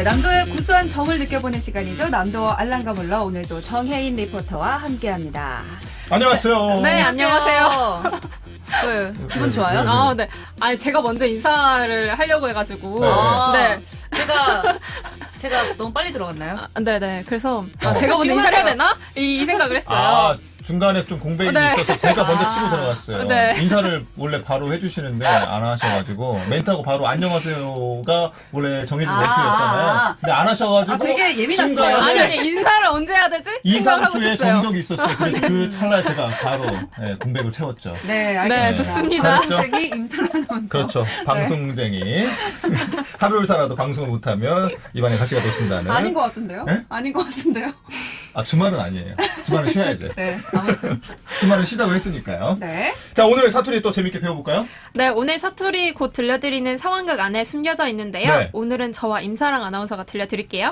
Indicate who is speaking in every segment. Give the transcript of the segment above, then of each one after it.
Speaker 1: 남도의 구수한 정을 느껴보는 시간이죠. 남도 알랑가몰라 오늘도 정혜인 리포터와 함께합니다.
Speaker 2: 안녕하세요.
Speaker 3: 네, 안녕하세요.
Speaker 1: 네, 기분 좋아요?
Speaker 3: 아, 네. 아니 제가 먼저 인사를 하려고 해가지고.
Speaker 1: 네. 제가 너무 빨리 들어갔나요?
Speaker 3: 네네. 그래서 제가 먼저 인사를 해야 되나? 이 생각을 했어요.
Speaker 2: 중간에 좀 공백이 있어서 제가 먼저 치고 들어갔어요.
Speaker 3: 네.
Speaker 2: 인사를 원래 바로 해주시는데 안 하셔가지고 멘트하고 바로 안녕하세요가 원래 정해진 멘트였잖아요. 근데 안 하셔가지고
Speaker 1: 되게 예민하시네요.
Speaker 3: 아니 인사를 언제 해야 되지?
Speaker 2: 2,
Speaker 3: 생각을 하고
Speaker 2: 3초에
Speaker 3: 있었어요.
Speaker 2: 정적이 있었어요. 그래서 그 찰나에 제가 바로 공백을 채웠죠.
Speaker 1: 네, 알겠습니다.
Speaker 3: 네, 좋습니다.
Speaker 1: 방송쟁이 임상아 아나운서.
Speaker 2: 그렇죠. 방송쟁이. 하루를 살아도 방송을 못하면 입안에 가시가 돋친다는.
Speaker 1: 아닌 것 같은데요?
Speaker 2: 네?
Speaker 1: 아닌 것 같은데요?
Speaker 2: 주말은 아니에요. 주말은 쉬어야죠.
Speaker 1: 네, 아무튼.
Speaker 2: 주말은 쉬자고 했으니까요.
Speaker 1: 네.
Speaker 2: 자, 오늘 사투리 또 재밌게 배워볼까요?
Speaker 3: 네, 오늘 사투리 곧 들려드리는 상황극 안에 숨겨져 있는데요.
Speaker 2: 네.
Speaker 3: 오늘은 저와 임사랑 아나운서가 들려드릴게요.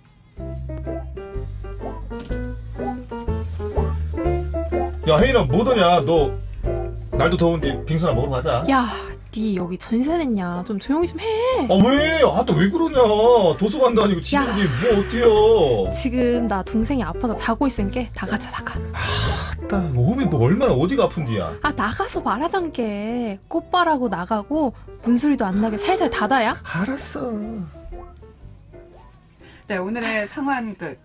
Speaker 2: 야, 혜인아, 뭐더냐? 너 날도 더운데 빙수나 먹으러 가자.
Speaker 3: 야, 니 여기 전세 냈냐? 좀 조용히 좀 해.
Speaker 2: 왜? 또 왜 그러냐? 도서관도 아니고 집인데 뭐 어때요?
Speaker 3: 지금 나 동생이 아파서 자고 있으니까 나가자, 나가.
Speaker 2: 몸이 뭐 얼마나 어디가 아픈디야?
Speaker 3: 나가서 말하잔게. 꽃바라고 나가고 문소리도 안 나게 살살 닫아야?
Speaker 2: 알았어.
Speaker 1: 네, 오늘의 상황극.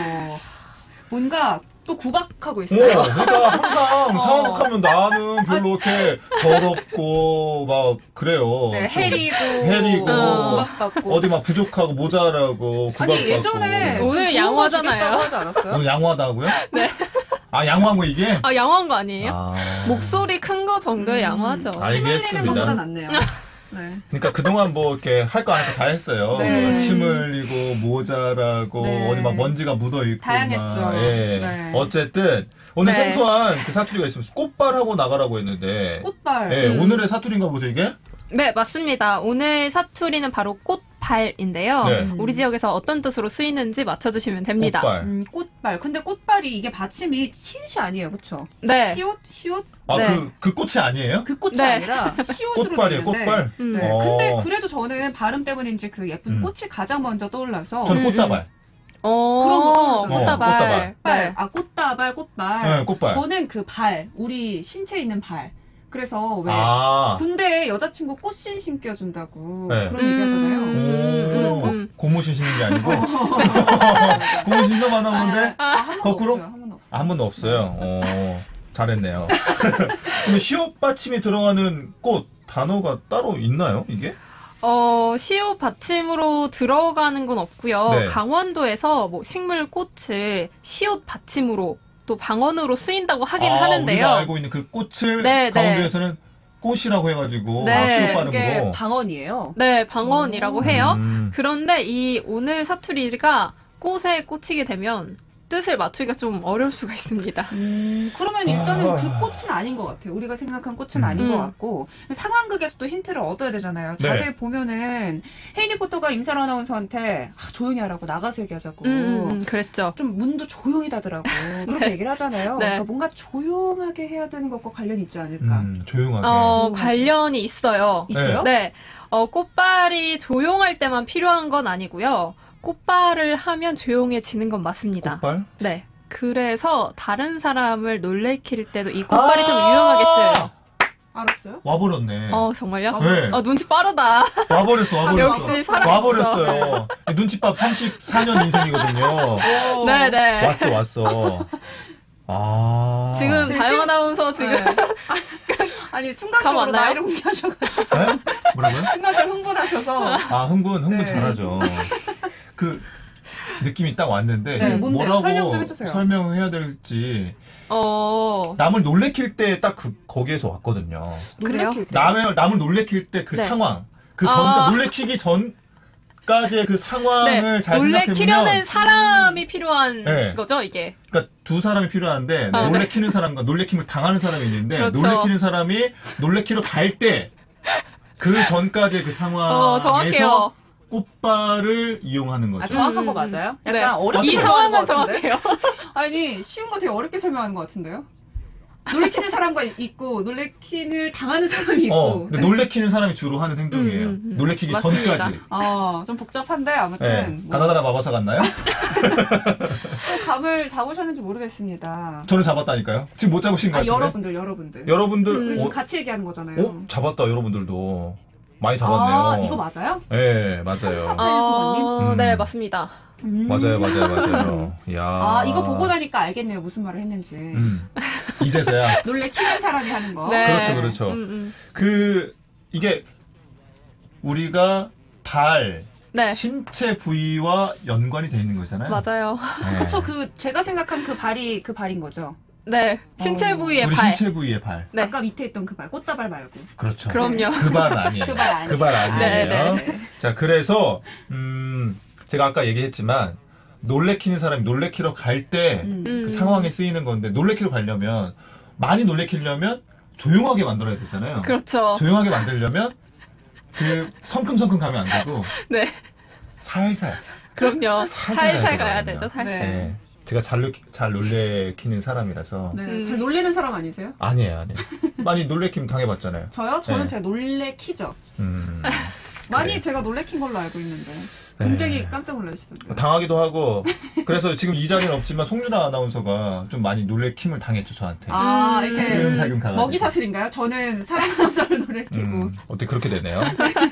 Speaker 1: 뭔가 또 구박하고 있어요.
Speaker 2: 그러니까 항상 상황극하면 나는 별로 이렇게 더럽고 막 그래요.
Speaker 1: 네,
Speaker 2: 해리고
Speaker 1: 구박받고
Speaker 2: 어디 막 부족하고 모자라고 구박받고.
Speaker 1: 아니 예전에
Speaker 3: 오늘 양호하잖아요.
Speaker 1: 하지 않았어요?
Speaker 2: 오늘 양호하다고요?
Speaker 3: 네.
Speaker 2: 양호한 거 이게?
Speaker 3: 양호한 거 아니에요? 목소리 큰 거 정도의 양호하죠.
Speaker 1: 침 흘리는 것보다
Speaker 2: 알겠습니다.
Speaker 1: 낫네요. 네.
Speaker 2: 그러니까 그동안 뭐 이렇게 할 거 안 할 거 다 했어요.
Speaker 1: 네.
Speaker 2: 침 흘리고 모자라고
Speaker 1: 네.
Speaker 2: 어디 막 먼지가 묻어 있고
Speaker 1: 다양했죠.
Speaker 2: 막, 예.
Speaker 1: 네.
Speaker 2: 어쨌든 오늘
Speaker 3: 네.
Speaker 2: 생소한 그 사투리가 있으면 꽃발하고 나가라고 했는데
Speaker 1: 꽃발.
Speaker 2: 예, 오늘의 사투리인가 보죠 이게?
Speaker 3: 네, 맞습니다. 오늘 사투리는 바로 꽃발인데요.
Speaker 2: 네.
Speaker 3: 우리 지역에서 어떤 뜻으로 쓰이는지 맞춰주시면 됩니다.
Speaker 2: 꽃발.
Speaker 1: 꽃발. 근데 꽃발이 이게 받침이 시옷이 아니에요, 그렇죠?
Speaker 3: 네.
Speaker 1: 시옷?
Speaker 3: 네.
Speaker 2: 그 꽃이 아니에요?
Speaker 1: 그 꽃이
Speaker 3: 네.
Speaker 1: 아니라 시옷으로
Speaker 2: 꽃발이에요,
Speaker 1: 되는데.
Speaker 2: 꽃발.
Speaker 1: 네. 근데 그래도 저는 발음 때문인지 그 예쁜 꽃이 가장 먼저 떠올라서.
Speaker 2: 저는 꽃다발.
Speaker 1: 그런 거 떠올랐잖아요.
Speaker 3: 꽃다발.
Speaker 2: 꽃다발.
Speaker 3: 네.
Speaker 1: 꽃다발, 꽃발.
Speaker 2: 네, 꽃발.
Speaker 1: 저는 그 발, 우리 신체에 있는 발. 그래서 왜 군대에 여자친구 꽃신 신겨준다고
Speaker 2: 네.
Speaker 1: 그런 얘기 하잖아요.
Speaker 2: 고무신 신는 게 아니고 고무신 신어봤나 본데 거꾸로? 한 번도 없어요. 잘했네요. 그럼 시옷 받침이 들어가는 꽃 단어가 따로 있나요 이게?
Speaker 3: 시옷 받침으로 들어가는 건 없고요.
Speaker 2: 네.
Speaker 3: 강원도에서 뭐 식물 꽃을 시옷 받침으로 또 방언으로 쓰인다고 하긴 하는데요.
Speaker 2: 우리가 알고 있는 그 꽃을
Speaker 3: 네,
Speaker 2: 강원도에서는 꽃이라고 해가지고
Speaker 3: 네.
Speaker 2: 시옷
Speaker 1: 그게
Speaker 2: 발음으로.
Speaker 1: 방언이에요.
Speaker 3: 네, 방언이라고 해요.
Speaker 2: 음.
Speaker 3: 그런데 이 오늘 사투리가 꽃에 꽂히게 되면 뜻을 맞추기가 좀 어려울 수가 있습니다.
Speaker 1: 그러면 일단은 그 꽃은 아닌 것 같아요. 우리가 생각한 꽃은 아닌 것 같고 상황극에서도 힌트를 얻어야 되잖아요.
Speaker 2: 네.
Speaker 1: 자세히 보면은 혜인 리포터가 임사라 아나운서한테 조용히 하라고 나가서 얘기하자고
Speaker 3: 그랬죠.
Speaker 1: 좀 문도 조용히 닫으라고 그렇게 얘기를 하잖아요.
Speaker 3: 네.
Speaker 1: 그러니까 뭔가 조용하게 해야 되는 것과 관련이 있지 않을까.
Speaker 2: 조용하게.
Speaker 3: 관련이 있어요.
Speaker 1: 있어요?
Speaker 3: 네. 꽃발이 조용할 때만 필요한 건 아니고요. 꽃발을 하면 조용해지는 건 맞습니다.
Speaker 2: 꽃발?
Speaker 3: 네. 그래서 다른 사람을 놀래킬 때도 이 꽃발이 좀 유용하게 쓰여요.
Speaker 1: 알았어요?
Speaker 2: 와버렸네.
Speaker 3: 정말요?
Speaker 2: 네.
Speaker 3: 눈치 빠르다.
Speaker 2: 와버렸어.
Speaker 3: 역시 살아있어.
Speaker 2: 와버렸어요. 눈치밥 34년 인생이거든요.
Speaker 3: 네네.
Speaker 2: 왔어.
Speaker 3: 지금 다영 아나운서 지금
Speaker 1: 아니 순간적으로
Speaker 3: 감 왔나요?
Speaker 1: 나이를 공개하셔가지고
Speaker 2: 네? 뭐라고요?
Speaker 1: 순간적으로 흥분하셔서
Speaker 2: 흥분
Speaker 1: 네.
Speaker 2: 잘하죠. 그 느낌이 딱 왔는데
Speaker 1: 네, 뭔데요?
Speaker 2: 뭐라고
Speaker 1: 설명 좀 해주세요.
Speaker 2: 설명해야 될지
Speaker 3: 어.
Speaker 2: 남을 놀래킬 때 딱 거기에서 왔거든요.
Speaker 3: 그래요?
Speaker 1: 놀래킬 때.
Speaker 2: 남을 놀래킬 때 그
Speaker 3: 네.
Speaker 2: 상황, 그 전 놀래키기 전까지의 그 상황을 잘
Speaker 3: 놀래키려는
Speaker 2: 생각해보면
Speaker 3: 사람이 필요한
Speaker 2: 네.
Speaker 3: 거죠, 이게.
Speaker 2: 그러니까 두 사람이 필요한데
Speaker 3: 네.
Speaker 2: 놀래키는 사람과 놀래킴을 당하는 사람이 있는데
Speaker 3: 그렇죠.
Speaker 2: 놀래키는 사람이 놀래키러 갈 때 그 전까지의 그 상황에서
Speaker 3: 정확해요.
Speaker 2: 꽃발을 이용하는 거죠.
Speaker 1: 정확한 거 맞아요? 약간
Speaker 3: 네.
Speaker 1: 어렵게
Speaker 3: 이
Speaker 1: 설명하는
Speaker 3: 상황은
Speaker 1: 것 같은데?
Speaker 3: 정확해요.
Speaker 1: 아니 쉬운 거 되게 어렵게 설명하는 것 같은데요? 놀래키는 사람과 있고 놀래키를 당하는 사람이 있고.
Speaker 2: 근데 놀래키는 사람이 주로 하는 행동이에요. 놀래키기
Speaker 3: 맞습니다.
Speaker 2: 전까지.
Speaker 1: 좀 복잡한데 아무튼.
Speaker 2: 가나다라 마바사 같나요?
Speaker 1: 또 감을 잡으셨는지 모르겠습니다.
Speaker 2: 저는 잡았다니까요. 지금 못 잡으신 것 같은데.
Speaker 1: 여러분들.
Speaker 2: 우리
Speaker 1: 지금 같이 얘기하는 거잖아요.
Speaker 2: 잡았다 여러분들도. 많이 잡았네요.
Speaker 1: 이거 맞아요?
Speaker 2: 네, 맞아요.
Speaker 3: 네, 맞습니다.
Speaker 2: 맞아요. 야.
Speaker 1: 이거 보고 나니까 알겠네요. 무슨 말을 했는지.
Speaker 2: 이제서야.
Speaker 1: 놀래키는 사람이 하는 거.
Speaker 3: 네.
Speaker 2: 그렇죠. 이게 우리가
Speaker 3: 네.
Speaker 2: 신체 부위와 연관이 돼 있는 거잖아요.
Speaker 3: 맞아요.
Speaker 2: 네.
Speaker 1: 그쵸. 제가 생각한 그 발인 거죠.
Speaker 3: 네. 신체 부위의
Speaker 2: 우리
Speaker 3: 발.
Speaker 2: 신체 부위의 발.
Speaker 3: 네.
Speaker 1: 아까 밑에 있던 그 발, 꽃다발 말고.
Speaker 2: 그렇죠.
Speaker 3: 그럼요.
Speaker 2: 그 발 아니에요.
Speaker 1: 그 발 아니에요.
Speaker 2: 그 발 아니에요.
Speaker 3: 네.
Speaker 2: 자, 그래서 제가 아까 얘기했지만 놀래키는 사람이 놀래키러 갈 때 그 상황에 쓰이는 건데 놀래키러 가려면 많이 놀래키려면 조용하게 만들어야 되잖아요.
Speaker 3: 그렇죠.
Speaker 2: 조용하게 만들려면 그 성큼성큼 가면 안 되고
Speaker 3: 네.
Speaker 2: 살살.
Speaker 3: 그럼요. 살살 가야
Speaker 2: 되거든요.
Speaker 3: 되죠. 살살.
Speaker 2: 네. 제가 잘 놀래키는 사람이라서.
Speaker 1: 네. 잘 놀래는 사람 아니세요?
Speaker 2: 아니에요. 많이 놀래킴 당해봤잖아요.
Speaker 1: 저요? 저는
Speaker 2: 네.
Speaker 1: 제가 놀래키죠. 많이
Speaker 2: 그래.
Speaker 1: 제가 놀래킨 걸로 알고 있는데 굉장히 깜짝 놀라시던데요.
Speaker 2: 당하기도 하고 그래서 지금 이 자리는 없지만 송유라 아나운서가 좀 많이 놀래킴을 당했죠 저한테.
Speaker 1: 이제
Speaker 2: 살금살금 가가지고.
Speaker 1: 먹이 사슬인가요? 저는 사람 아나운서를 놀래키고.
Speaker 2: 어떻게 그렇게 되네요.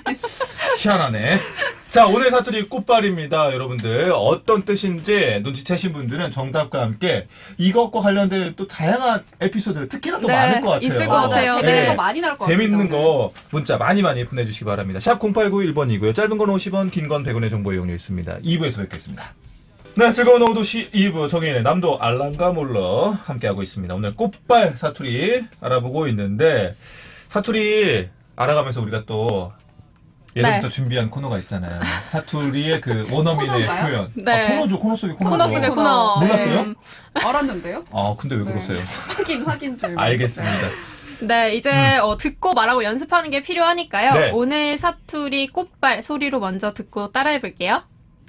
Speaker 2: 희한하네. 자, 오늘 사투리 꽃발입니다. 여러분들 어떤 뜻인지 눈치채신 분들은 정답과 함께 이것과 관련된 또 다양한 에피소드 특히나 또
Speaker 3: 네,
Speaker 2: 많을 것 같아요.
Speaker 3: 있을 것 같아요.
Speaker 1: 재밌는 거 많이 나올 것 같습니다.
Speaker 2: 재밌는 거 문자 많이 보내주시기 바랍니다. 샵 0891번이고요. 짧은 건 50원, 긴 건 100원의 정보 이용료 있습니다. 2부에서 뵙겠습니다. 네, 즐거운 오후 도시 2부 정인의 남도 알랑가 몰러 함께하고 있습니다. 오늘 꽃발 사투리 알아보고 있는데 사투리 알아가면서 우리가 또 예전부터 준비한 코너가 있잖아요. 사투리의 그 원어민의
Speaker 1: 코너인가요?
Speaker 2: 표현.
Speaker 3: 네.
Speaker 2: 코너 속의 코너죠.
Speaker 3: 코너 속의 코너.
Speaker 2: 몰랐어요?
Speaker 1: 알았는데요?
Speaker 2: 근데 왜 그러세요?
Speaker 1: 확인 좀.
Speaker 2: 알겠습니다.
Speaker 3: 네, 이제 듣고 말하고 연습하는 게 필요하니까요.
Speaker 2: 네.
Speaker 3: 오늘 사투리 꽃발 소리로 먼저 듣고 따라해 볼게요.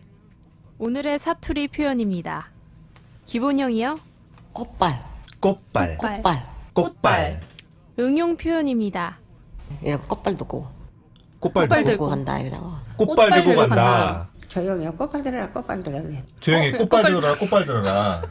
Speaker 3: 오늘의 사투리 표현입니다. 기본형이요.
Speaker 4: 꽃발,
Speaker 2: 꽃발.
Speaker 4: 꽃발.
Speaker 2: 꽃발.
Speaker 3: 응용 표현입니다.
Speaker 4: 이런 꽃발 두고
Speaker 2: 꽃발
Speaker 3: 꽃발
Speaker 2: 들고
Speaker 3: 들고
Speaker 4: 간다 이러고.
Speaker 2: 꽃발 들고
Speaker 3: 들고
Speaker 2: 간다.
Speaker 5: 조용히 꽃발 들어라 꽃발 들어라.
Speaker 2: 조용히 꽃발 들어라. 꽃발 들어라.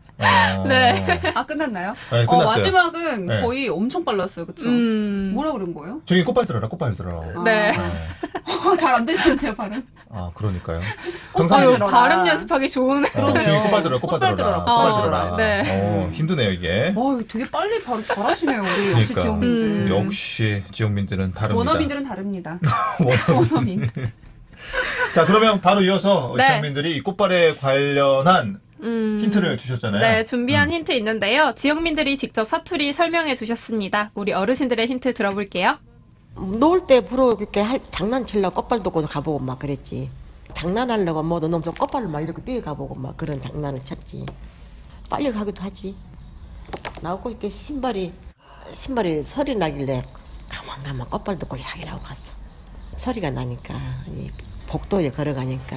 Speaker 3: 네.
Speaker 1: 끝났나요?
Speaker 2: 네, 끝났어요.
Speaker 1: 마지막은
Speaker 2: 네.
Speaker 1: 거의 엄청 빨랐어요. 그쵸? 뭐라 그런 거예요?
Speaker 2: 조용히 꽃발 들어라. 꽃발 들어라.
Speaker 3: 네.
Speaker 1: 잘 안 되시는데요, 발음?
Speaker 2: 그러니까요.
Speaker 1: 꽃발
Speaker 3: 아유,
Speaker 1: 들어라.
Speaker 3: 발음 연습하기 좋은.
Speaker 2: 조용히 꽃발 들어라. 꽃발 들어라. 꽃발 들어라.
Speaker 3: 네.
Speaker 2: 힘드네요, 이게.
Speaker 1: 되게 빨리 바로 잘하시네요, 우리 역시
Speaker 2: 그러니까.
Speaker 1: 지역민들.
Speaker 2: 역시 지역민들은 다릅니다.
Speaker 1: 원어민들은 다릅니다.
Speaker 2: 원어민. 자, 그러면 바로 이어서
Speaker 3: 네.
Speaker 2: 지역민들이 이 꽃발에 관련한 힌트를 주셨잖아요.
Speaker 3: 네, 준비한 힌트 있는데요. 지역민들이 직접 사투리 설명해 주셨습니다. 우리 어르신들의 힌트 들어볼게요.
Speaker 4: 놀 때 부러 이렇게 장난치려고 꽃발 두고 가보고 막 그랬지. 장난하려고 뭐 너무 좀 꽃발로 막 이렇게 뛰어가보고 막 그런 장난을 쳤지. 빨리 가기도 하지. 나오고 이렇게 신발이 소리 나길래 가만 꽃발 두고 일하기라고 갔어. 소리가 나니까 이 복도에 걸어가니까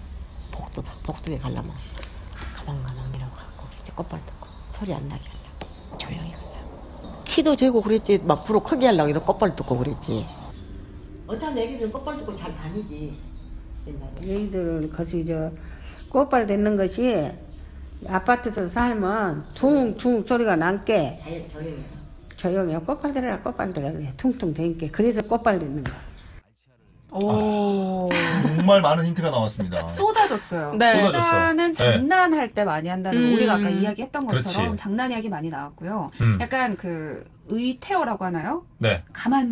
Speaker 4: 복도에 가려면 가만 이라고 하고 이제 꽃발 두고 소리 안 나게 하려고 조용히 가려고 키도 재고 그랬지. 막 불어 크게 하려고 이런 꽃발 두고 그랬지. 어떤 애기들은 꽃발 두고 잘 다니지 옛날에.
Speaker 5: 얘들은 거기 꽃발 듣는 것이 아파트에서 살면 퉁퉁 소리가 난게 조용히 꽃발 들어라 꽃발 들어라 퉁퉁 대니까 그래서 꽃발 듣는 거.
Speaker 2: 정말 많은 힌트가 나왔습니다.
Speaker 1: 쏟아졌어요.
Speaker 3: 네.
Speaker 1: 일단은 장난할 때 많이 한다는 거. 우리가 아까 이야기했던 것처럼
Speaker 2: 그렇지.
Speaker 1: 장난 이야기 많이 나왔고요. 약간 그 의태어라고 하나요?
Speaker 2: 네.
Speaker 1: 가만.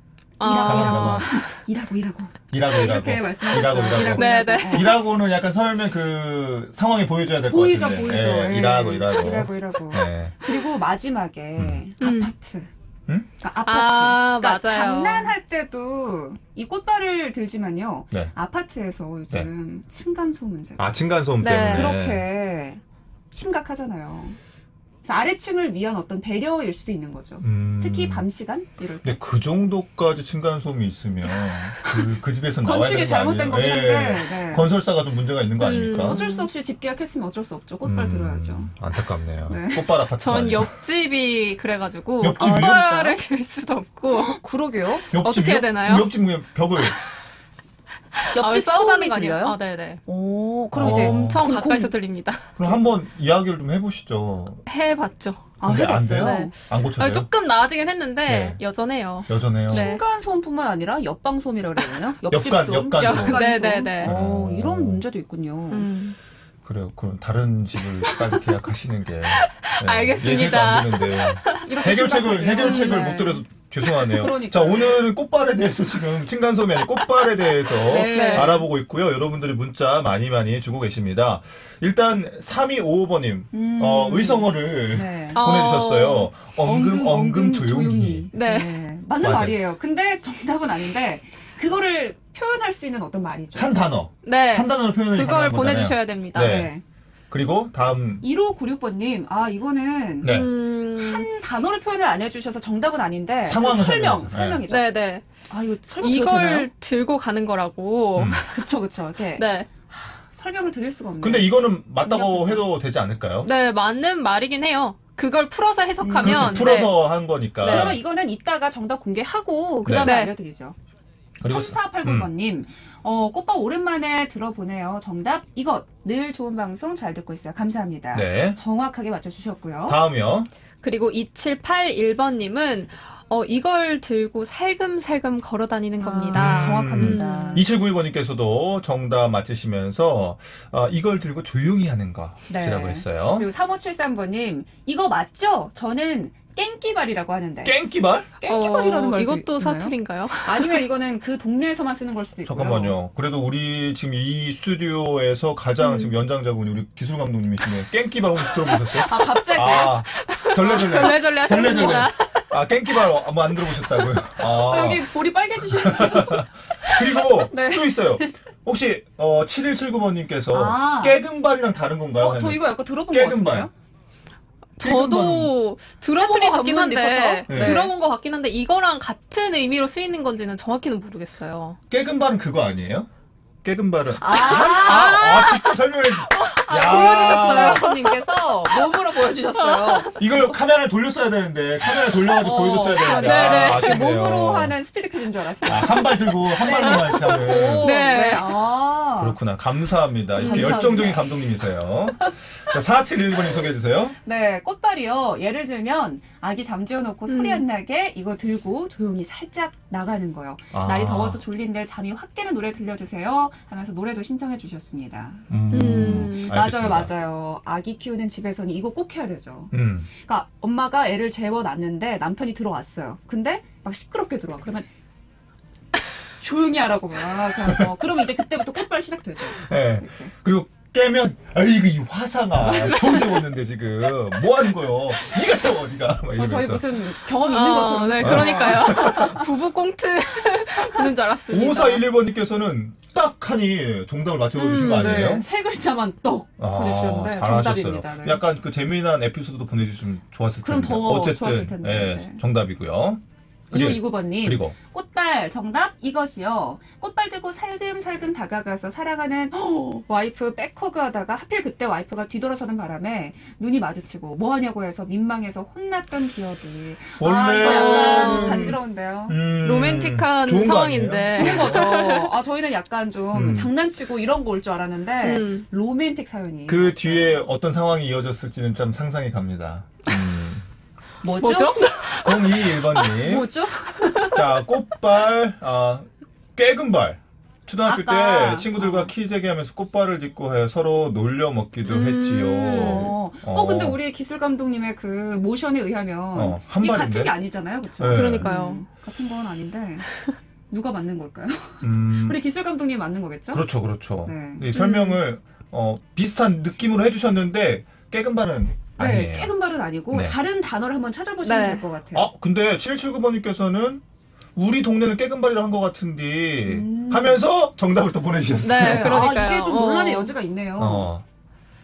Speaker 1: 일하고. 이렇게 말씀하셨어요.
Speaker 2: 일하고.
Speaker 3: 네.
Speaker 2: 일하고는 약간 설명 그 상황이 보여줘야 될 것 같은데.
Speaker 1: 보이죠.
Speaker 2: 예, 일하고.
Speaker 1: 네. 그리고 마지막에 아파트. 그러니까 아파트.
Speaker 3: 맞아요.
Speaker 1: 장난할 때도 이 꽃발을 들지만요.
Speaker 2: 네.
Speaker 1: 아파트에서 요즘 층간소음 문제가
Speaker 2: 층간소음
Speaker 3: 네.
Speaker 2: 때문에.
Speaker 1: 그렇게 심각하잖아요. 아래층을 위한 어떤 배려일 수도 있는 거죠. 특히 밤 시간 이럴 때.
Speaker 2: 근데 그 정도까지 층간소음이 있으면 그 집에서 나와야 되는
Speaker 1: 건축이 잘못된 거긴 한데 네.
Speaker 2: 건설사가 좀 문제가 있는 거 아닙니까?
Speaker 1: 어쩔 수 없이 집 계약했으면 어쩔 수 없죠. 꽃발 들어야죠.
Speaker 2: 안타깝네요.
Speaker 1: 네.
Speaker 2: 꽃발 아파트.
Speaker 3: 전 옆집이 그래가지고
Speaker 2: 옆집이요?
Speaker 3: 꽃발을 들 수도 없고
Speaker 1: 그러게요.
Speaker 3: 어떻게 해야 되나요?
Speaker 2: 옆집 벽을
Speaker 1: 옆집
Speaker 3: 싸우자는
Speaker 1: 소음이
Speaker 3: 거 아니에요?
Speaker 1: 들려요?
Speaker 3: 아, 네네.
Speaker 1: 오, 그럼 이제
Speaker 3: 엄청 가까이서 들립니다.
Speaker 2: 그럼 한번 이야기를 좀 해보시죠.
Speaker 3: 해봤죠.
Speaker 2: 근데 안
Speaker 1: 해봤어요?
Speaker 2: 돼요?
Speaker 3: 네.
Speaker 2: 안 고쳐져요?
Speaker 3: 아니, 조금 나아지긴 했는데
Speaker 2: 네.
Speaker 3: 여전해요.
Speaker 2: 여전해요.
Speaker 3: 네.
Speaker 1: 층간 소음뿐만 아니라 옆방 소음이라고 그래야 되나요? 옆집
Speaker 2: 옆간,
Speaker 1: 소음?
Speaker 2: 옆간 소음.
Speaker 3: 네네네.
Speaker 1: 이런 문제도 있군요.
Speaker 2: 그래요. 그럼 다른 집을 빨리 계약하시는 게
Speaker 3: 알겠습니다.
Speaker 2: 얘기가 안 되는데
Speaker 1: 이렇게
Speaker 2: 해결책을
Speaker 1: 심각하게요?
Speaker 2: 못 들어서 죄송하네요.
Speaker 1: 그러니까요.
Speaker 2: 자, 오늘은 꽃발에 대해서 지금 층간소음이 아닌 꽃발에 대해서
Speaker 1: 네.
Speaker 2: 알아보고 있고요. 여러분들이 문자 많이 주고 계십니다. 일단 3255번님 의성어를
Speaker 1: 네.
Speaker 2: 보내주셨어요. 엉금 조용히.
Speaker 3: 네.
Speaker 1: 맞는
Speaker 2: 맞아요.
Speaker 1: 말이에요. 근데 정답은 아닌데 그거를 표현할 수 있는 어떤 말이죠.
Speaker 2: 한 단어.
Speaker 3: 네.
Speaker 2: 한 단어로 표현을
Speaker 3: 그걸
Speaker 2: 가능한 거잖아요.
Speaker 3: 보내주셔야 됩니다.
Speaker 2: 네. 그리고 다음
Speaker 1: 1596번님, 이거는
Speaker 2: 네.
Speaker 1: 한 단어로 표현을 안 해주셔서 정답은 아닌데
Speaker 2: 상황을
Speaker 1: 설명이죠.
Speaker 3: 네네.
Speaker 1: 이거 설명 드려도 되나요?
Speaker 3: 이걸 들고 가는 거라고.
Speaker 1: 그쵸. 이렇게
Speaker 3: 네.
Speaker 1: 설명을 드릴 수가 없네요.
Speaker 2: 근데 이거는 맞다고
Speaker 1: 그냥
Speaker 2: 해도 되지 않을까요?
Speaker 3: 네, 맞는 말이긴 해요. 그걸 풀어서 해석하면.
Speaker 2: 그렇죠. 풀어서 한 거니까.
Speaker 3: 네.
Speaker 1: 그러면 이거는 이따가 정답 공개하고 그 다음에
Speaker 3: 네.
Speaker 1: 알려드리죠.
Speaker 2: 그리고
Speaker 1: 3489번님, 꽃밥 오랜만에 들어보네요. 정답 이것. 늘 좋은 방송 잘 듣고 있어요. 감사합니다.
Speaker 2: 네.
Speaker 1: 정확하게 맞춰주셨고요.
Speaker 2: 다음이요.
Speaker 3: 그리고 2781번님은 이걸 들고 살금살금 걸어 다니는 겁니다.
Speaker 1: 정확합니다.
Speaker 2: 2792번님께서도 정답 맞히시면서 이걸 들고 조용히 하는 것이라고 했어요.
Speaker 1: 그리고 3573번님, 이거 맞죠? 저는 깽끼발이라고 하는데.
Speaker 2: 깽끼발?
Speaker 1: 깽끼발이라는 말도
Speaker 3: 이것도
Speaker 1: 있나요?
Speaker 3: 사투리인가요?
Speaker 1: 아니면 이거는 그 동네에서만 쓰는 걸 수도 있고요.
Speaker 2: 잠깐만요. 그래도 우리 지금 이 스튜디오에서 가장 지금 연장자분이 우리 기술 감독님이시네요. 깽끼발 혹시 들어보셨어요?
Speaker 1: 갑자기.
Speaker 2: 절레절레.
Speaker 3: 절레절레 하셨습니다.
Speaker 2: 깽끼발 한번 안 들어보셨다고요?
Speaker 1: 여기 볼이 빨개지셨어요.
Speaker 2: 그리고
Speaker 1: 네.
Speaker 2: 또 있어요. 혹시 7179번님께서 깨금발이랑 다른 건가요?
Speaker 1: 저 이거 약간 들어본 것 같은데요?
Speaker 3: 저도 들어본 것 같긴 한데
Speaker 2: 네.
Speaker 3: 들어본 것 같긴 한데 이거랑 같은 의미로 쓰이는 건지는 정확히는 모르겠어요.
Speaker 2: 깨금발은 그거 아니에요? 깨금발은 직접 설명해
Speaker 1: 보여주셨어요. 님께서 몸으로 보여주셨어요.
Speaker 2: 이걸 카메라를 돌렸어야 되는데 카메라 돌려가지고 보여줬어야 되는데
Speaker 3: 네네.
Speaker 2: 아쉽네요.
Speaker 1: 몸으로 하는 스피드 퀴즈인 줄 알았어요.
Speaker 2: 한 발 들고 한 발로만 이렇게 하는.
Speaker 3: 네.
Speaker 2: 그렇구나. 감사합니다. 이렇게
Speaker 1: 감사합니다.
Speaker 2: 열정적인 감독님이세요. 자, 4711번님 소개해주세요.
Speaker 1: 네, 꽃발이요. 예를 들면 아기 잠재워놓고 소리 안 나게 이거 들고 조용히 살짝 나가는 거요. 날이 더워서 졸린데 잠이 확 깨는 노래 들려주세요 하면서 노래도 신청해 주셨습니다. 맞아요. 아기 키우는 집에서는 이거 꼭 해야 되죠. 그러니까 엄마가 애를 재워놨는데 남편이 들어왔어요. 근데 막 시끄럽게 들어와. 그러면 조용히 하라고 막 그래서 그러면 이제 그때부터 꽃발 시작되죠.
Speaker 2: 네. 그리고 깨면 아이고 이 화상아 겨우 재웠는데 지금 뭐 하는 거요? 네가 재워 네가 막 이러면서.
Speaker 1: 저희 무슨 경험 있는 것처럼.
Speaker 3: 네, 그러니까요. 부부 꽁트 보는 줄 알았습니다.
Speaker 2: 5411번님께서는 딱 하니 정답을 맞춰주신 거 아니에요?
Speaker 1: 네, 세 글자만 떡 보내주셨는데
Speaker 2: 잘하셨어요.
Speaker 1: 정답입니다. 네.
Speaker 2: 약간 그 재미난 에피소드도 보내주시면 좋았을 텐데.
Speaker 1: 그럼 더
Speaker 2: 어쨌든
Speaker 1: 좋았을 텐데. 네.
Speaker 2: 정답이고요.
Speaker 1: 2529번님.
Speaker 2: 그리고
Speaker 1: 꽃발 정답 이것이요. 꽃발 들고 살금살금 다가가서 사랑하는 와이프 백허그 하다가 하필 그때 와이프가 뒤돌아서는 바람에 눈이 마주치고 뭐하냐고 해서 민망해서 혼났던 기억이.
Speaker 2: 원래
Speaker 1: 이거 약간 간지러운데요.
Speaker 3: 로맨틱한
Speaker 2: 좋은 거
Speaker 3: 상황인데.
Speaker 1: 좋은 거죠. 저희는 약간 좀 장난치고 이런 거 올 줄 알았는데 로맨틱 사연이.
Speaker 2: 그
Speaker 1: 있었어요.
Speaker 2: 뒤에 어떤 상황이 이어졌을지는 좀 상상이 갑니다.
Speaker 1: 뭐죠?
Speaker 2: 0221번님.
Speaker 1: 뭐죠?
Speaker 2: 자, 꽃발, 깨금발. 초등학교
Speaker 1: 아까.
Speaker 2: 때 친구들과 키재기 하면서 꽃발을 딛고 해 서로 놀려 먹기도 했지요.
Speaker 1: 근데 우리 기술 감독님의 그 모션에 의하면
Speaker 2: 한
Speaker 1: 이게
Speaker 2: 발인데?
Speaker 1: 같은 게 아니잖아요, 그렇죠?
Speaker 2: 네.
Speaker 3: 그러니까요.
Speaker 1: 같은 건 아닌데 누가 맞는 걸까요?
Speaker 2: 음,
Speaker 1: 우리 기술 감독님이 맞는 거겠죠?
Speaker 2: 그렇죠.
Speaker 1: 네.
Speaker 2: 이 설명을 비슷한 느낌으로 해주셨는데 깨금발은
Speaker 1: 네,
Speaker 2: 아니에요.
Speaker 1: 깨금발은 아니고
Speaker 2: 네.
Speaker 1: 다른 단어를 한번 찾아보시면
Speaker 3: 네.
Speaker 1: 될 것 같아요.
Speaker 2: 근데 779번님께서는 우리 동네는 깨금발이라 한 것 같은데 하면서 정답을 또 보내주셨어요.
Speaker 3: 네, 그러니까요.
Speaker 1: 이게 좀 논란의 여지가 있네요.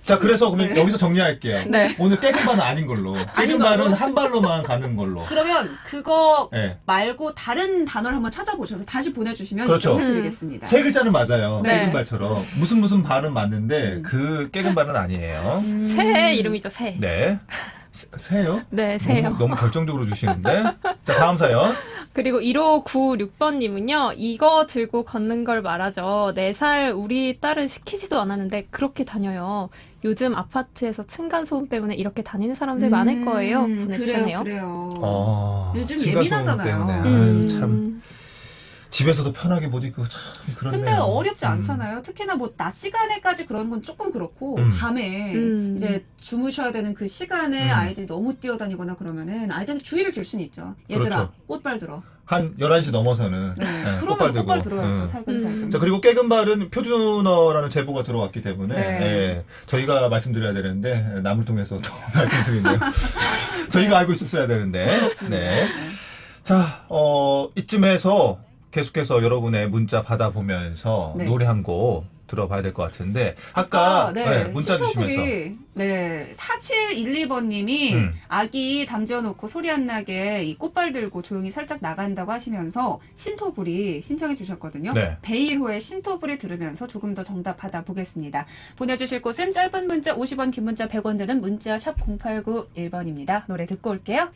Speaker 2: 자, 그래서 그러면
Speaker 1: 네.
Speaker 2: 여기서 정리할게요.
Speaker 3: 네.
Speaker 2: 오늘 깨금발은 아닌 걸로. 깨금발은 한 발로만 가는 걸로.
Speaker 1: 그러면 그거
Speaker 2: 네.
Speaker 1: 말고 다른 단어를 한번 찾아보셔서 다시 보내주시면
Speaker 2: 그렇죠.
Speaker 1: 해드리겠습니다.
Speaker 2: 세 글자는 맞아요.
Speaker 3: 네.
Speaker 2: 깨금발처럼. 무슨 발은 맞는데 그 깨금발은 아니에요.
Speaker 3: 새 이름이죠, 새.
Speaker 2: 네. 새요?
Speaker 3: 네, 새요.
Speaker 2: 너무 결정적으로 주시는데. 자, 다음 사연.
Speaker 3: 그리고 1596번님은요, 이거 들고 걷는 걸 말하죠. 4살 우리 딸은 시키지도 않았는데 그렇게 다녀요. 요즘 아파트에서 층간소음 때문에 이렇게 다니는 사람들 많을 거예요. 보내주셨네요.
Speaker 1: 그래요. 요즘
Speaker 2: 층간소음
Speaker 1: 예민하잖아요.
Speaker 2: 때문에. 아유, 참. 집에서도 편하게 못 입고 참 그렇네요.
Speaker 1: 근데 어렵지 않잖아요. 특히나 뭐 낮 시간에까지 그런 건 조금 그렇고 밤에 이제 주무셔야 되는 그 시간에 아이들이 너무 뛰어다니거나 그러면은 아이들한테 주의를 줄 수는 있죠. 얘들아,
Speaker 2: 그렇죠.
Speaker 1: 꽃발 들어.
Speaker 2: 한 11시 넘어서는
Speaker 1: 네.
Speaker 2: 네,
Speaker 1: 그러면
Speaker 2: 들고.
Speaker 1: 꽃발 들어야죠. 살금살금.
Speaker 2: 자, 그리고 깨금발은 표준어라는 제보가 들어왔기 때문에
Speaker 1: 네.
Speaker 2: 예, 저희가 말씀드려야 되는데 남을 통해서 더 말씀드리네요. 저희가 알고 있었어야 되는데.
Speaker 1: 그렇습니다.
Speaker 2: 네. 자, 이쯤에서 계속해서 여러분의 문자 받아보면서
Speaker 1: 네.
Speaker 2: 노래 한 곡 들어봐야 될 것 같은데 아까 문자 주시면서
Speaker 1: 네, 4712번님이 아기 잠재워놓고 소리 안 나게 이 꽃발 들고 조용히 살짝 나간다고 하시면서 신토불이 신청해 주셨거든요.
Speaker 2: 네.
Speaker 1: 베일호의 신토불이 들으면서 조금 더 정답 받아보겠습니다. 보내주실 곳은 짧은 문자 50원, 긴 문자 100원 드는 문자 샵 0891번입니다. 노래 듣고 올게요.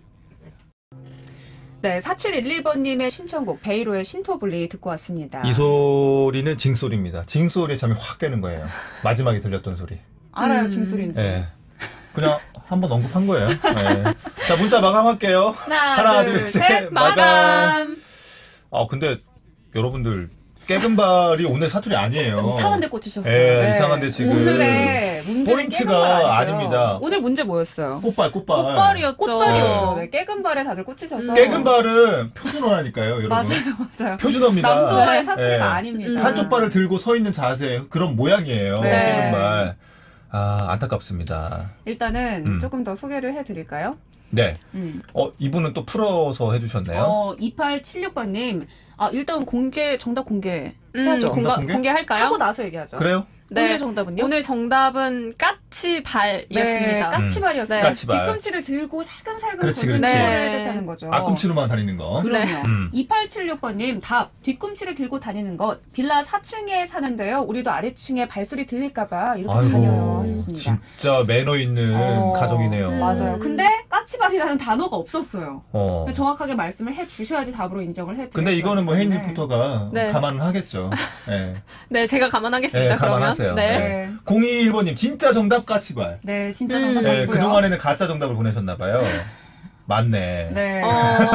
Speaker 1: 네, 4712번님의 신청곡 베이로의 신토불리 듣고 왔습니다.
Speaker 2: 이 소리는 징소리입니다. 징소리에 잠이 확 깨는 거예요. 마지막에 들렸던 소리.
Speaker 1: 알아요, 징소리인지.
Speaker 2: 네. 그냥 한번 언급한 거예요. 네. 자, 문자 마감할게요. 하나, 둘, 셋, 마감. 근데 여러분들 깨금발이 오늘 사투리 아니에요.
Speaker 1: 이상한 데 꽂히셨어요.
Speaker 2: 네, 이상한데 지금
Speaker 1: 오늘의 문제는
Speaker 2: 포인트가 아닙니다.
Speaker 1: 오늘 문제 뭐였어요?
Speaker 2: 꽃발.
Speaker 3: 꽃발이었죠.
Speaker 1: 꽃발이었죠. 네, 깨금발에 다들 꽂히셔서.
Speaker 2: 깨금발은 표준어라니까요, 여러분.
Speaker 1: 맞아요.
Speaker 2: 표준어입니다.
Speaker 1: 남도의 사투리가
Speaker 2: 네.
Speaker 1: 아닙니다.
Speaker 2: 한쪽 발을 들고 서 있는 자세, 그런 모양이에요.
Speaker 1: 네.
Speaker 2: 깨금발. 안타깝습니다.
Speaker 1: 일단은 조금 더 소개를 해드릴까요?
Speaker 2: 네. 이분은 또 풀어서 해주셨네요.
Speaker 1: 2876번님. 일단 정답 공개해야죠.
Speaker 3: 공개할까요?
Speaker 1: 하고 나서 얘기하죠.
Speaker 2: 그래요?
Speaker 3: 네.
Speaker 1: 오늘 정답은요?
Speaker 3: 오늘 정답은 까치발이었습니다.
Speaker 1: 까치발이었어요.
Speaker 2: 네. 까치발.
Speaker 1: 뒤꿈치를 들고 살금살금
Speaker 2: 그렇지,
Speaker 1: 걷는
Speaker 2: 그렇지.
Speaker 1: 걸 뜻하는 거죠.
Speaker 2: 앞꿈치로만 다니는 거.
Speaker 1: 그럼요.
Speaker 3: 네.
Speaker 1: 2876번님 답. 뒤꿈치를 들고 다니는 것. 빌라 4층에 사는데요. 우리도 아래층에 발소리 들릴까봐 이렇게 다녀요 하셨습니다.
Speaker 2: 진짜 매너 있는 가정이네요.
Speaker 1: 맞아요. 근데 까치발이라는 단어가 없었어요. 정확하게 말씀을 해주셔야지 답으로 인정을 해드려요.
Speaker 2: 근데 이거는 뭐 혜인 리포터가
Speaker 3: 네.
Speaker 2: 감안을 하겠죠. 네.
Speaker 3: 네, 제가 감안하겠습니다.
Speaker 2: 네,
Speaker 3: 그러면.
Speaker 2: 감안하세요.
Speaker 3: 네.
Speaker 2: 0221번님 진짜 정답 까치발.
Speaker 1: 네, 진짜 정답
Speaker 2: 네,
Speaker 1: 맞고요.
Speaker 2: 그동안에는 가짜 정답을 보내셨나봐요. 맞네.
Speaker 1: 네.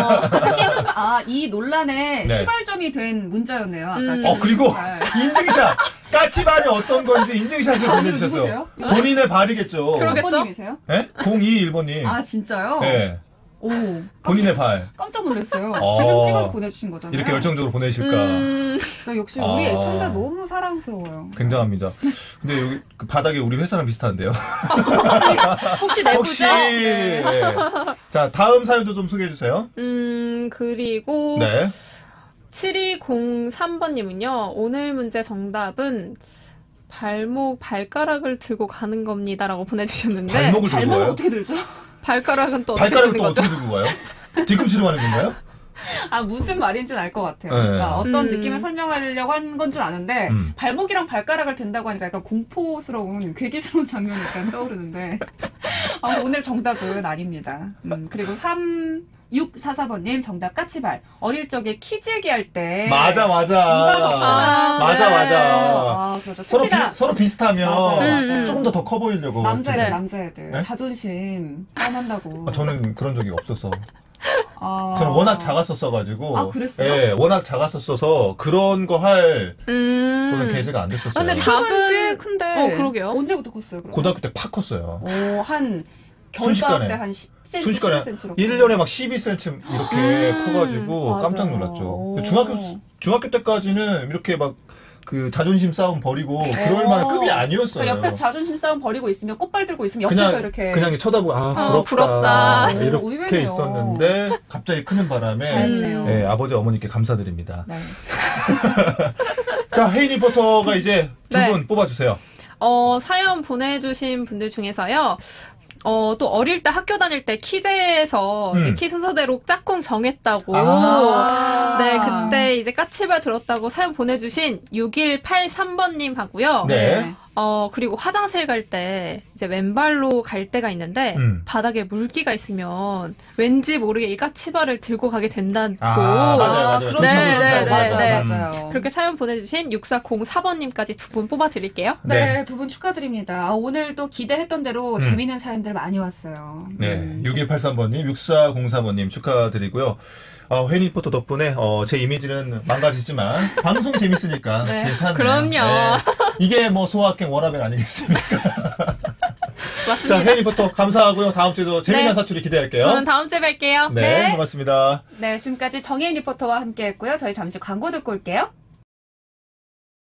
Speaker 1: 이 논란의
Speaker 2: 네.
Speaker 1: 시발점이 된 문자였네요. 아까.
Speaker 2: 그리고 인증샷! 까치발이 어떤 건지 인증샷을 보내주셨어요.
Speaker 1: 누구세요?
Speaker 2: 본인의 발이겠죠.
Speaker 3: 그러겠죠?
Speaker 1: 번님이세요?
Speaker 2: 네? 0221번님.
Speaker 1: 진짜요?
Speaker 2: 네.
Speaker 1: 오,
Speaker 2: 본인의 발.
Speaker 1: 깜짝 놀랐어요.
Speaker 2: 어.
Speaker 1: 지금 찍어서 보내주신 거잖아요.
Speaker 2: 이렇게 열정적으로 보내실까.
Speaker 1: 역시 우리 애청자 너무 사랑스러워요.
Speaker 2: 굉장합니다. 근데 여기 그 바닥에 우리 회사랑 비슷한데요.
Speaker 3: 혹시 내부죠?
Speaker 2: 혹시. 네. 자, 다음 사연도 좀 소개해 주세요.
Speaker 3: 그리고
Speaker 2: 네.
Speaker 3: 7203번님은요. 오늘 문제 정답은 발가락을 들고 가는 겁니다라고 보내주셨는데
Speaker 2: 발목을 들고
Speaker 1: 발목을
Speaker 2: 가요?
Speaker 1: 어떻게 들죠?
Speaker 3: 발가락은 또 어떻게
Speaker 2: 발가락을
Speaker 3: 드는
Speaker 2: 또
Speaker 3: 거죠?
Speaker 2: 어떻게 들고 가요? 뒤꿈치로 하는 건가요?
Speaker 1: 무슨 말인지는 알 것 같아요.
Speaker 2: 네.
Speaker 1: 그러니까 어떤 느낌을 설명하려고 한 건 줄 아는데 발목이랑 발가락을 든다고 하니까 약간 공포스러운 괴기스러운 장면이 약간 떠오르는데 오늘 정답은 아닙니다. 그리고 3644번님 정답 까치발. 어릴 적에 키즈 얘기할 때
Speaker 2: 맞아.
Speaker 1: 그렇죠.
Speaker 2: 서로 비슷하면
Speaker 1: 맞아요.
Speaker 2: 조금 더 커 보이려고.
Speaker 1: 남자애들
Speaker 2: 네?
Speaker 1: 자존심 싸움한다고.
Speaker 2: 저는 그런 적이 없어서. 저는 워낙 작았었어가지고.
Speaker 1: 그랬어요?
Speaker 2: 예, 워낙 작았었어서 그런 거 할 그런 계제가 안 됐었어요.
Speaker 3: 근데
Speaker 1: 꽤 큰데.
Speaker 3: 그러게요.
Speaker 1: 언제부터 컸어요? 그럼?
Speaker 2: 고등학교 때 팍 컸어요.
Speaker 1: 한
Speaker 2: 순식간에.
Speaker 1: 겨울방학 때 한 10cm,
Speaker 2: 순식간에
Speaker 1: 15cm.
Speaker 2: 1년에 막 12cm 이렇게 커가지고
Speaker 1: 맞아요.
Speaker 2: 깜짝 놀랐죠. 중학교 때까지는 이렇게 막 그 자존심 싸움 벌이고 그럴 만한 급이 아니었어요.
Speaker 1: 그러니까 옆에서 자존심 싸움 벌이고 있으면 꽃발 들고 있으면 옆에서 이렇게
Speaker 2: 그냥 쳐다보고 부럽다. 이렇게
Speaker 1: 의외네요.
Speaker 2: 있었는데 갑자기 크는 바람에
Speaker 1: 다행이네요.
Speaker 2: 예, 아버지 어머니께 감사드립니다.
Speaker 1: 네.
Speaker 2: 자, 혜인 리포터가 이제 두 분 뽑아주세요.
Speaker 3: 사연 보내주신 분들 중에서요. 또 어릴 때 학교 다닐 때 키제에서 이제 키 순서대로 짝꿍 정했다고. 네, 그때 이제 까치발 들었다고 사연 보내주신 6183번님 하고요.
Speaker 2: 네.
Speaker 3: 그리고 화장실 갈 때 이제 왼발로 갈 때가 있는데 바닥에 물기가 있으면 왠지 모르게 이 까치발을 들고 가게 된다고.
Speaker 2: 맞아요.
Speaker 1: 그렇죠.
Speaker 3: 네.
Speaker 1: 맞아요.
Speaker 3: 그렇게 사연 보내주신 6404번님까지 두 분 뽑아드릴게요.
Speaker 1: 네, 두 분 축하드립니다. 오늘도 기대했던 대로 재미있는 사연들 많이 왔어요.
Speaker 2: 네, 6183번님, 6404번님 축하드리고요. 혜니 리포터 덕분에 제 이미지는 망가지지만 방송 재밌으니까
Speaker 3: 네,
Speaker 2: 괜찮네요.
Speaker 3: 그럼요.
Speaker 2: 네. 이게 뭐 소확행 워라벨 아니겠습니까?
Speaker 3: 맞습니다.
Speaker 2: 자, 혜니 리포터 감사하고요. 다음 주에도 재미난 사투리 기대할게요.
Speaker 3: 저는 다음 주에 뵐게요.
Speaker 2: 네, 고맙습니다.
Speaker 1: 네, 지금까지 정혜인 리포터와 함께했고요. 저희 잠시 광고 듣고 올게요.